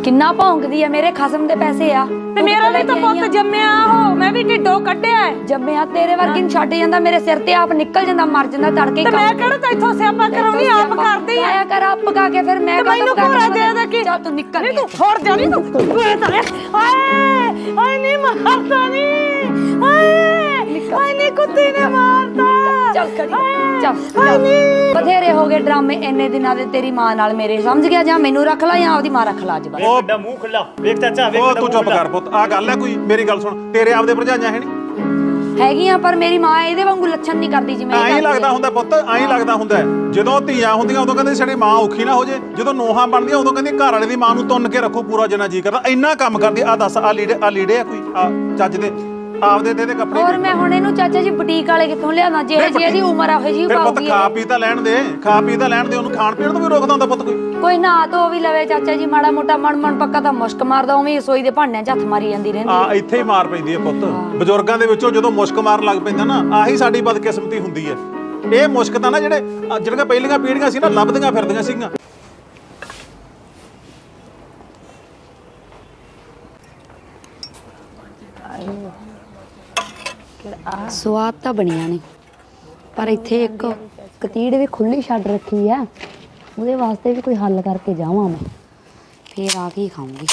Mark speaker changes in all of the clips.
Speaker 1: ਕਿੰਨਾ ਭੌਂਕਦੀ ਆ, ਮੇਰੇ ਖਸਮ ਦੇ ਪੈਸੇ ਆ
Speaker 2: ਤੇ ਮੇਰਾ ਵੀ ਤਾਂ ਪੁੱਤ ਜੰਮਿਆ ਉਹ, ਮੈਂ ਵੀ ਢਿੱਡੋਂ ਕੱਢਿਆ
Speaker 1: ਜੰਮਿਆ ਤੇਰੇ ਵਰਗੀ ਨੂੰ ਛੱਡ ਜਾਂਦਾ, ਮੇਰੇ ਸਿਰ ਤੇ ਆਪ ਨਿਕਲ ਜਾਂਦਾ, ਮਰ ਜਾਂਦਾ ਤੜਕੇ।
Speaker 2: ਤੇ ਮੈਂ ਕਿਹੜਾ ਤਾਂ ਇੱਥੋਂ ਸਿਆਪਾ ਕਰਾਉਣੀ, ਆਪ ਕਰਦੀ ਆ
Speaker 1: ਕਰ ਆਪ ਪਕਾ ਕੇ, ਫਿਰ ਮੈਂ
Speaker 2: ਮੈਨੂੰ ਘੋੜਾ ਦੇ ਦੇ ਕੀ।
Speaker 1: ਚੱਲ ਤੂੰ ਨਿਕਲ,
Speaker 2: ਨਹੀਂ ਤੂੰ ਹੋਰ ਜਾ, ਨਹੀਂ ਤੂੰ ਓਏ ਤਲੇ ਆਏ ਨਹੀਂ ਮਾਰਦਾ, ਨਹੀਂ ਆਏ ਨਹੀਂ ਕੁੱਤੀ ਨੇ ਮਾਰਦਾ।
Speaker 1: ਚੱਲ ਖੜੀ ਚੱਲ, ਬਥੇਰੇ ਹੋ ਗਏ ਡਰਾਮੇ ਇੰਨੇ ਦਿਨਾਂ ਦੇ ਤੇਰੀ ਮਾਂ ਨਾਲ ਮੇਰੇ, ਸਮਝ ਗਿਆ? ਜਾਂ ਮੈਨੂੰ ਰੱਖ ਲੈ ਜਾਂ ਆਪਦੀ ਮਾਂ ਰੱਖ ਲੈ ਅੱਜ ਬਸ।
Speaker 3: ਉਹ ਵੱਡਾ ਮੂੰਹ ਖੁੱਲਾ ਵੇਖ ਚਾਚਾ, ਵੇਖ
Speaker 4: ਤੂੰ ਚੁੱਪ ਕਰ ਪੁੱਤ, ਆ ਗੱਲ ਹੈ ਕੋਈ? ਮੇਰੀ ਗੱਲ ਸੁਣ, ਤੇਰੇ ਆਪਦੇ ਭਰਜਾਈਆਂ ਹੈ ਨਹੀਂ
Speaker 1: ਹੈਗੀਆਂ, ਪਰ ਮੇਰੀ ਮਾਂ ਇਹਦੇ ਵਾਂਗੂ ਲੱਛਣ ਨਹੀਂ ਕਰਦੀ ਜਿਵੇਂ
Speaker 4: ਐਂ ਲੱਗਦਾ ਹੁੰਦਾ ਪੁੱਤ, ਐਂ ਲੱਗਦਾ ਹੁੰਦਾ। ਜਦੋਂ ਧੀਆਂ ਹੁੰਦੀਆਂ ਉਦੋਂ ਕਹਿੰਦੇ ਸਾਡੀ ਮਾਂ ਔਖੀ ਨਾ ਹੋ ਜੇ, ਜਦੋਂ ਨੋਹਾਂ ਬਣਦੀਆਂ ਉਦੋਂ ਕਹਿੰਦੀ ਘਰ ਵਾਲੇ ਦੀ ਮਾਂ ਨੂੰ ਤੁੰਨ ਕੇ ਰੱਖੋ ਪੂਰਾ ਜਿੰਨਾ ਜੀ ਕਰਦਾ। ਇੰਨਾ ਕੰਮ ਕਰਦੀ। ਆ ਦੱਸ, ਆ ਲੀੜੇ ਆ ਕੋਈ ਚੱਜ ਦੇ ਆਪਦੇ ਤੇ ਕੱਪੜੇ?
Speaker 1: ਹੋਰ ਮੈਂ ਹੁਣ ਇਹਨੂੰ ਚਾਚਾ ਜੀ ਬੁਟੀਕ ਵਾਲੇ ਕਿੱਥੋਂ ਲਿਆਵਾਂ? ਜਿਹੇ ਜੀ ਇਹਦੀ ਉਮਰ ਆ ਉਹ ਜੀ
Speaker 4: ਫਿਰ ਪੁੱਤ
Speaker 1: ਪਾਉਗੀ।
Speaker 4: ਖਾ ਪੀ ਤਾਂ ਲੈਣ ਦੇ, ਖਾ ਪੀ ਤਾਂ ਲੈਣ ਦੇ, ਉਹਨੂੰ ਖਾਣ ਪੀਣ ਤੋਂ ਵੀ ਰੋਕਦਾ ਹੁੰਦਾ ਪੁੱਤ ਕੋਈ?
Speaker 1: ਕੋਈ ਨਾ ਧੋ ਵੀ ਲਵੇ ਚਾਚਾ ਜੀ, ਮਾੜਾ ਮੋਟਾ ਮਣ ਪੱਕਾ ਤਾਂ ਮੁਸ਼ਕ ਮਾਰਦਾ, ਉਵੇਂ ਰਸੋਈ ਦੇ ਭਾਂਡਿਆਂ 'ਚ ਹੱਥ ਮਾਰੀ ਜਾਂਦੀ ਰਹਿੰਦੀ।
Speaker 4: ਆ ਇੱਥੇ ਹੀ ਮਾਰ ਪੈਂਦੀ ਹੈ ਪੁੱਤ। ਬਜ਼ੁਰਗਾਂ ਦੇ ਵਿੱਚੋਂ ਜਦੋਂ ਮੁਸ਼ਕ ਮਾਰਨ ਲੱਗ ਪੈਂਦਾ ਨਾ, ਆਹੀ ਸਾਡੀ ਬਦਕਿਸਮਤੀ ਹੁੰਦੀ ਹੈ। ਇਹ ਮੁਸ਼ਕ ਤਾਂ ਨਾ ਜਿਹੜੀਆਂ ਪਹਿਲੀਆਂ ਪੀੜ੍ਹੀਆਂ ਸੀ ਨਾ ਲੱਭਦੀਆਂ ਫਿਰਦੀਆਂ ਸੀਗੀਆਂ।
Speaker 1: ਸਵਾਦ ਤਾਂ ਬਣੀਆਂ ਨੇ, ਪਰ ਇੱਥੇ ਇੱਕ ਕਤੀੜ ਵੀ ਖੁੱਲੀ ਛੱਡ ਰੱਖੀ ਆ, ਉਹਦੇ ਵਾਸਤੇ ਵੀ ਕੋਈ ਹੱਲ ਕਰਕੇ ਜਾਵਾਂ ਮੈਂ, ਫੇਰ ਆ ਕੇ ਖਾਊਂਗੀ।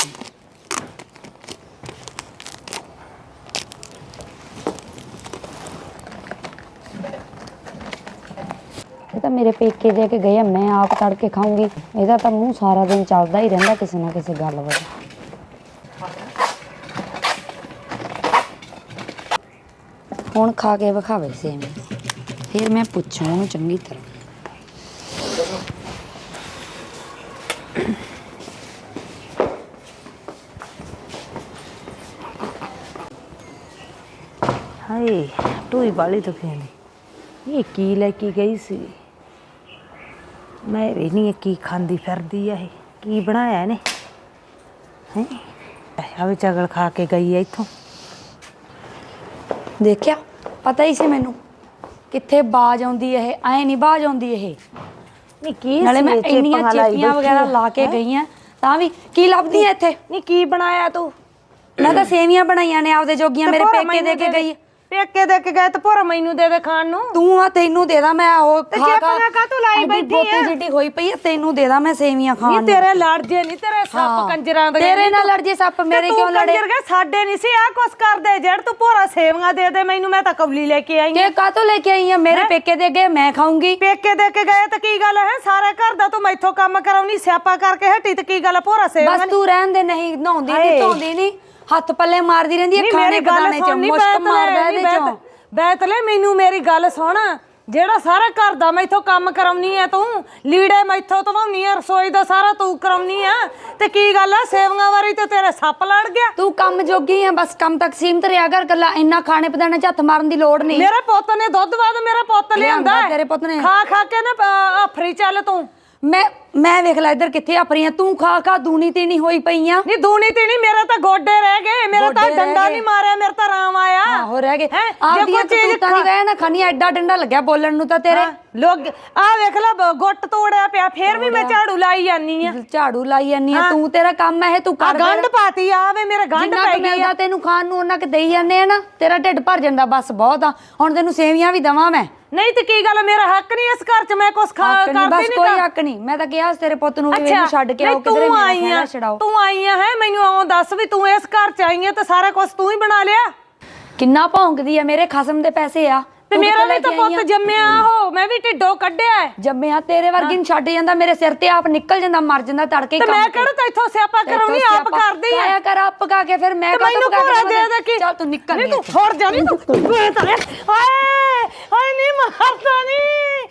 Speaker 1: ਇਹ ਤਾਂ ਮੇਰੇ ਪੇਕੇ ਦੇ ਕੇ ਗਏ ਆ, ਮੈਂ ਆਪ ਤੜ ਕੇ ਖਾਊਂਗੀ। ਇਹਦਾ ਤਾਂ ਮੂੰਹ ਸਾਰਾ ਦਿਨ ਚੱਲਦਾ ਹੀ ਰਹਿੰਦਾ ਕਿਸੇ ਨਾ ਕਿਸੇ ਗੱਲ ਵਜੋਂ। ਹੁਣ ਖਾ ਕੇ ਵਿਖਾਵੇ ਸੇਵੀਆਂ, ਫਿਰ ਮੈਂ ਪੁੱਛੂ ਉਹਨੂੰ ਚੰਗੀ ਤਰ੍ਹਾਂ।
Speaker 2: ਹਾਏ ਟੂਈ ਵਾਲੀ ਤਾਂ ਫੇਣੀ, ਇਹ ਕੀ ਲੈ ਕੇ ਗਈ ਸੀ? ਮੈਂ ਵੀ ਨਹੀਂ, ਕੀ ਖਾਂਦੀ ਫਿਰਦੀ ਆ ਇਹ? ਕੀ ਬਣਾਇਆ ਇਹਨੇ? ਹੈ ਆ ਵੀ ਚਗਲ ਖਾ ਕੇ ਗਈ ਆ ਇੱਥੋਂ।
Speaker 1: ਦੇਖਿਆ, ਪਤਾ ਹੀ ਸੀ ਮੈਨੂੰ ਕਿੱਥੇ ਬਾਜ ਆਉਂਦੀ ਇਹ, ਐ ਨਹੀਂ ਬਾਜ ਆਉਂਦੀ ਇਹ।
Speaker 2: ਨਹੀਂ ਕੀ
Speaker 1: ਨਾਲੇ ਮੈਂ ਇੰਨੀਆਂ ਚੇਪੀਆਂ ਵਗੈਰਾ ਲਾ ਕੇ ਗਈ ਆ, ਤਾਂ ਵੀ ਕੀ ਲੱਭਦੀ ਐ ਇੱਥੇ?
Speaker 2: ਨਹੀਂ ਕੀ ਬਣਾਇਆ ਤੂੰ?
Speaker 1: ਮੈਂ ਤਾਂ ਸੇਵੀਆਂ ਬਣਾਈਆਂ ਨੇ ਆਪਦੇ ਜੋਗੀਆਂ, ਮੇਰੇ ਪੇਕੇ ਦੇ ਕੇ ਗਈ।
Speaker 2: ਪੇਕੇ ਦੇ ਕੇ ਗਏ ਤੇ ਭੋਰਾ ਮੈਨੂੰ ਦੇ ਦੇ ਖਾਣ ਨੂੰ।
Speaker 1: ਤੂੰ ਆ ਤੈਨੂੰ ਦੇ ਦਾਂ ਮੈਂ, ਉਹ ਖਾ
Speaker 2: ਕਾ ਤੂੰ ਲਾਈ ਬੈਠੀ
Speaker 1: ਆ ਜਿੱਡੀ ਹੋਈ ਪਈ ਆ, ਤੈਨੂੰ ਦੇ ਦਾਂ ਮੈਂ ਸੇਵੀਆਂ ਖਾਣ ਨੂੰ।
Speaker 2: ਤੇਰੇ ਲੜ ਜੇ ਨਹੀਂ, ਤੇਰੇ ਸੱਪ ਕੰਜਰਾਂ ਦੇ।
Speaker 1: ਤੇਰੇ ਨਾਲ ਲੜ ਜੇ ਸੱਪ, ਮੇਰੇ ਕਿਉਂ ਲੜੇ?
Speaker 2: ਕੰਜਰ ਗਏ ਸਾਡੇ ਨਹੀਂ ਸੀ ਆ ਕੁਛ ਕਰਦੇ, ਜੜ ਤੂੰ ਭੋਰਾ ਸੇਵੀਆਂ ਦੇ ਦੇ ਮੈਨੂੰ, ਮੈਂ ਤਾਂ ਕੌਲੀ ਲੈ ਕੇ ਆਈ
Speaker 1: ਕਿ ਕਾਹਤੋਂ ਲੈ ਕੇ ਆਈ ਆ? ਮੇਰੇ ਪੇਕੇ ਦੇ ਗਏ, ਮੈਂ ਖਾਊਂਗੀ।
Speaker 2: ਪੇਕੇ ਦੇ ਕੇ ਗਏ ਤਾਂ ਕੀ ਗੱਲ ਹੈ? ਸਾਰੇ ਘਰ ਦਾ ਤੂੰ ਮੈਥੋਂ ਕੰਮ ਕਰਾਉਣੀ, ਸਿਆਪਾ ਕਰਕੇ ਹਟੀ ਤੇ ਕੀ ਗੱਲ? ਭੋਰਾ ਸੇਵੀਆਂ
Speaker 1: ਬਸ ਤੂੰ ਰਹਿਣ ਦੇ, ਨਹੀਂ ਨਹਾਉਂਦੀ ਨਹੀਂ ਧੋਂਦੀ ਨਹੀਂ, ਹੱਥ ਪੱਲੇ ਮਾਰਦੀ ਰਹਿੰਦੀ ਹੈ ਖਾਣੇ ਪਕਾਣੇ ਚ, ਮੁਸ਼ਕ ਮਾਰਦਾ ਇਹਦੇ ਚੋਂ।
Speaker 2: ਬੈਤਲੇ ਮੈਨੂੰ ਮੇਰੀ ਗੱਲ ਸੁਣ, ਜਿਹੜਾ ਸਾਰਾ ਘਰ ਦਾ ਮੈਥੋਂ ਕੰਮ ਕਰਾਉਣੀ ਆ ਤੂੰ, ਲੀੜੇ ਮੈਥੋਂ ਧਵਾਉਣੀ ਆ, ਰਸੋਈ ਦਾ ਸਾਰਾ ਤੂੰ ਕਰਾਉਣੀ ਆ, ਤੇ ਕੀ ਗੱਲ ਆ ਸੇਵੀਆਂ ਵਾਰੀ ਤੇ ਤੇਰੇ ਸੱਪ ਲੜ ਗਿਆ?
Speaker 1: ਤੂੰ ਕੰਮ ਜੋਗੀ ਆ, ਬਸ ਕੰਮ ਤੱਕ ਸੀਮਤ ਰਿਹਾ ਕਰ, ਗੱਲਾਂ ਇੰਨਾ ਖਾਣੇ ਪਕਾਣੇ ਚ ਹੱਥ ਮਾਰਨ ਦੀ ਲੋੜ ਨਹੀਂ।
Speaker 2: ਮੇਰੇ ਪੁੱਤ ਨੇ ਦੁੱਧ ਬਾਦ ਮੇਰਾ ਪੁੱਤ ਲਿਆਂਦਾ,
Speaker 1: ਤੇਰੇ ਪੁੱਤ ਨੇ
Speaker 2: ਖਾ ਖਾ ਕੇ ਨਾ ਆਫਰੀ ਚੱਲ ਤੂੰ।
Speaker 1: ਮੈਂ ਵੇਖ ਲੈ ਇੱਧਰ ਕਿੱਥੇ ਆਫਰੀਆਂ, ਤੂੰ ਖਾ ਖਾ ਦੂਣੀ ਤੀਣੀ ਹੋਈ ਪਈਆਂ।
Speaker 2: ਨਹੀਂ ਦੂਣੀ ਤੀਣੀ, ਮੇਰੇ ਤਾਂ ਗੋਡੇ ਰਹਿ ਗਏ, ਮੇਰਾ ਤਾਂ ਡੰਡਾ ਨਹੀਂ ਮਾਰਿਆ, ਮੇਰਾ ਤਾਂ ਰਾਮ ਆਇਆ।
Speaker 1: ਆਹੋ ਰਹਿ ਗਏ, ਆਪਦੀਆਂ ਤੂਤਾਂ ਨਹੀਂ ਗਏ ਨਾ ਖਾਣੀ, ਐਡਾ ਡੰਡਾ ਲੱਗਿਆ ਬੋਲਣ ਨੂੰ ਤਾਂ ਤੇਰੇ।
Speaker 2: ਲੋਕ ਆ ਵੇਖ ਲੈ ਗੁੱਟ ਤੋੜਿਆ ਪਿਆ, ਫੇਰ ਵੀ ਮੈਂ ਝਾੜੂ ਲਾਈ ਜਾਨੀ ਆ।
Speaker 1: ਝਾੜੂ ਲਾਈ ਜਾਨੀ ਆ ਤੂੰ, ਤੇਰਾ ਕੰਮ ਹੈ ਤੂੰ ਕਰ।
Speaker 2: ਗੰਢ ਪਾਤੀ ਆ ਵੇ, ਮੇਰੇ ਗੰਢ ਪੈ ਗਈ ਆ।
Speaker 1: ਤੈਨੂੰ ਖਾਣ ਨੂੰ ਉਹਨਾਂ ਕਿ ਦੇਈ ਜਾਂਦੇ ਆ ਨਾ, ਤੇਰਾ ਢਿੱਡ ਭਰ ਜਾਂਦਾ, ਬਸ ਬਹੁਤ ਆ। ਹੁਣ ਤੈਨੂੰ ਸੇਵੀਆਂ ਵੀ ਦਵਾਂ ਮੈਂ?
Speaker 2: ਨਹੀਂ ਤੇ ਕੀ ਗੱਲ, ਮੇਰਾ ਹੱਕ ਨਹੀਂ ਇਸ ਘਰ ਚ, ਮੈਂ ਕੁਛ ਕਰਦੀ ਨਹੀਂ।
Speaker 1: ਬਸ ਕੋਈ ਹੱਕ ਨਹੀਂ, ਮੈਂ ਤਾਂ ਕਿਹਾ ਤੇਰੇ ਪੁੱਤ ਨੂੰ ਵੀ ਇਹਨੂੰ ਛੱਡ ਕੇ ਆਓ ਕਿਧਰੇ, ਮੇਰਾ ਖਹਿੜਾ ਛਡਾਓ।
Speaker 2: ਤੂੰ ਆਈ ਆ ਹੈ, ਮੈਨੂੰ ਆਉਂ ਦੱਸ ਵੀ ਤੂੰ ਇਸ ਘਰ ਚ ਆਈ ਆ ਤੇ ਸਾਰਾ ਕੁਝ ਤੂੰ ਹੀ ਬਣਾ ਲਿਆ?
Speaker 1: ਕਿੰਨਾ ਭੌਂਕਦੀ ਆ, ਮੇਰੇ ਖਸਮ ਦੇ ਪੈਸੇ ਆ।
Speaker 2: ਤੇ ਮੇਰਾ ਵੀ ਤਾਂ ਪੁੱਤ ਜੰਮਿਆ ਉਹ, ਮੈਂ ਵੀ ਢਿੱਡੋਂ ਕੱਢਿਆ
Speaker 1: ਜੰਮਿਆ, ਤੇਰੇ ਵਰਗੀ ਨੂੰ ਛੱਡ ਜਾਂਦਾ, ਮੇਰੇ ਸਿਰ ਤੇ ਆਪ ਨਿਕਲ ਜਾਂਦਾ, ਮਰ ਜਾਂਦਾ ਤੜਕੇ।
Speaker 2: ਤੇ ਮੈਂ ਕਿਹੜਾ ਤਾਂ ਇੱਥੋਂ ਸਿਆਪਾ ਕਰਾਉਣੀ, ਆਪ ਕਰਦੀ ਆ।
Speaker 1: ਕਰ ਆਪ ਪਕਾ ਕੇ, ਫਿਰ ਮੈਂ
Speaker 2: ਮੈਨੂੰ ਘੋੜਾ ਦੇ ਦੇ ਕੀ।
Speaker 1: ਚੱਲ ਤੂੰ ਨਿਕਲ,
Speaker 2: ਨਹੀਂ ਤੂੰ ਹੋਰ ਜਾ, ਨਹੀਂ ਤੂੰ ਓਏ ਤਲੇ ਹਾਏ ਨਹੀਂ ਮਾਰਦਾ, ਨਹੀਂ